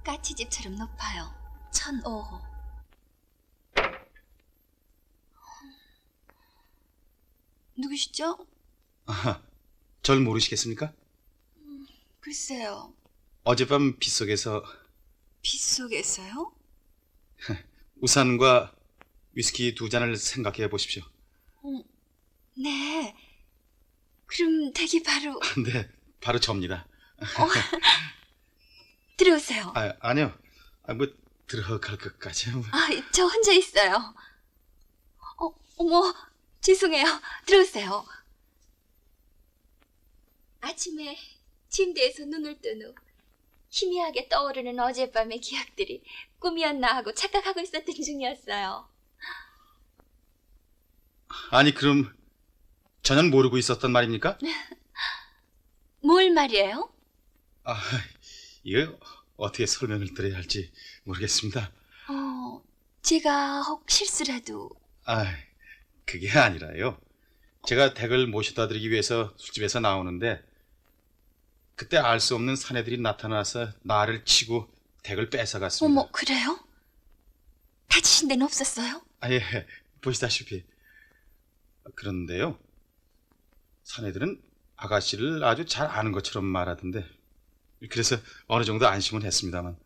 까치집처럼 높아요. 1005호. 누구시죠? 아하, 절 모르시겠습니까? 글쎄요. 어젯밤 빗속에서 빗속에서요? 우산과 위스키 2잔을 생각해 보십시오. 네. 그럼 댁이 바로... 네, 바로 접니다. 들어오세요. 아니요. 뭐 들어갈 것까지. 저 혼자 있어요. 어머, 죄송해요. 들어오세요. 아침에 침대에서 눈을 뜬 후 희미하게 떠오르는 어젯밤의 기억들이 꿈이었나 하고 착각하고 있었던 중이었어요. 아니, 그럼 전혀 모르고 있었단 말입니까? 뭘 말이에요? 이거 어떻게 설명을 드려야 할지 모르겠습니다. 제가 혹 실수라도... 그게 아니라요. 제가 댁을 모셔다 드리기 위해서 술집에서 나오는데 그때 알 수 없는 사내들이 나타나서 나를 치고 댁을 뺏어갔습니다. 어머, 그래요? 다치신 데는 없었어요? 예, 보시다시피. 그런데요, 사내들은 아가씨를 아주 잘 아는 것처럼 말하던데, 그래서 어느 정도 안심은 했습니다만.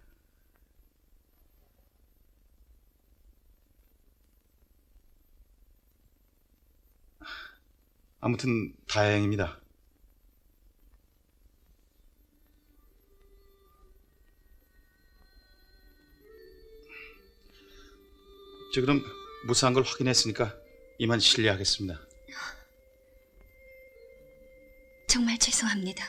아무튼 다행입니다. 저 그럼 무사한 걸 확인했으니까 이만 실례하겠습니다. 정말 죄송합니다.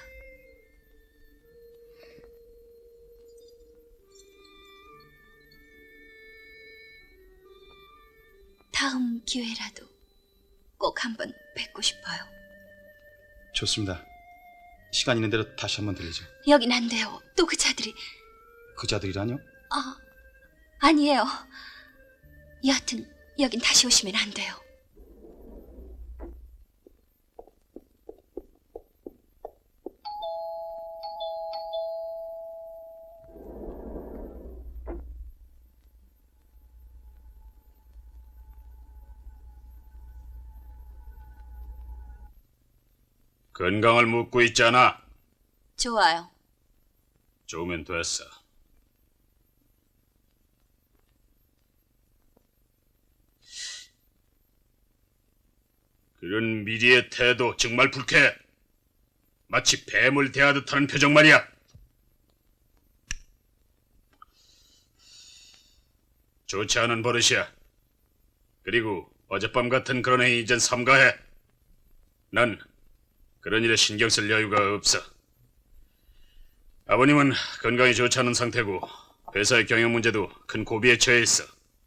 다음 기회라도 꼭 한번 뵙고 싶어요. 좋습니다. 시간 있는 대로 다시 한번 들리죠. 여긴 안 돼요. 또 그 자들이... 그 자들이라뇨? 아니에요. 여하튼 여긴 다시 오시면 안 돼요. 건강을 묻고 있잖아. 좋아요. 좋으면 됐어. 그런 미리의 태도 정말 불쾌해. 마치 뱀을 대하듯 하는 표정 말이야. 좋지 않은 버릇이야. 그리고 어젯밤 같은 그런 행위 이젠 삼가해. 난 그런 일에 신경 쓸 여유가 없어. 아버님은 건강이 좋지 않은 상태고 회사의 경영 문제도 큰 고비에 처해 있어.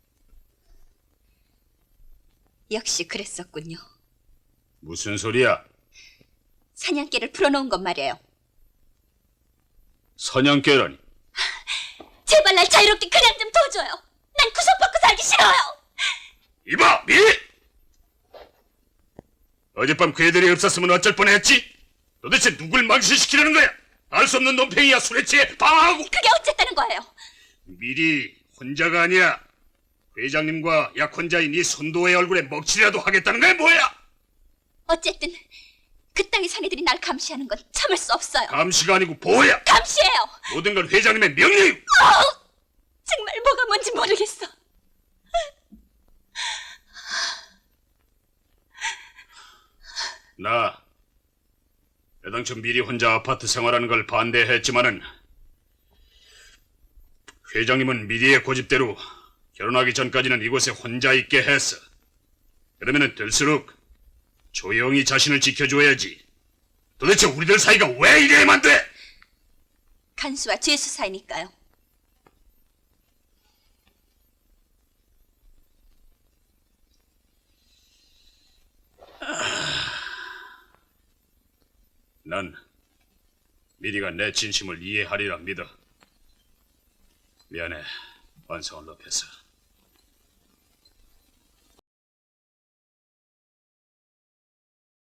역시 그랬었군요. 무슨 소리야? 사냥개를 풀어놓은 것 말이에요. 사냥개라니. 제발 날 자유롭게 그냥 좀 둬줘요. 난 구속받고 살기 싫어요. 이봐, 미! 어젯밤 그 애들이 없었으면 어쩔 뻔했지? 도대체 누굴 망신시키려는 거야? 알 수 없는 논팽이야. 술에 취해 방황하고. 그게 어쨌다는 거예요? 미리 혼자가 아니야. 회장님과 약혼자인 이 손도의 얼굴에 먹칠이라도 하겠다는 거야 뭐야? 어쨌든 그 땅의 사내들이 날 감시하는 건 참을 수 없어요. 감시가 아니고 보호야. 감시해요. 모든 건 회장님의 명령이고. 정말 뭐가 뭔지 모르겠어. 나 애당초 미리 혼자 아파트 생활하는 걸 반대했지만은 회장님은 미리의 고집대로 결혼하기 전까지는 이곳에 혼자 있게 했어. 그러면은 될수록 조용히 자신을 지켜줘야지. 도대체 우리들 사이가 왜 이래야만 돼? 간수와 죄수 사이니까요. 난 미리가 내 진심을 이해하리라 믿어. 미안해, 완성을 높여서.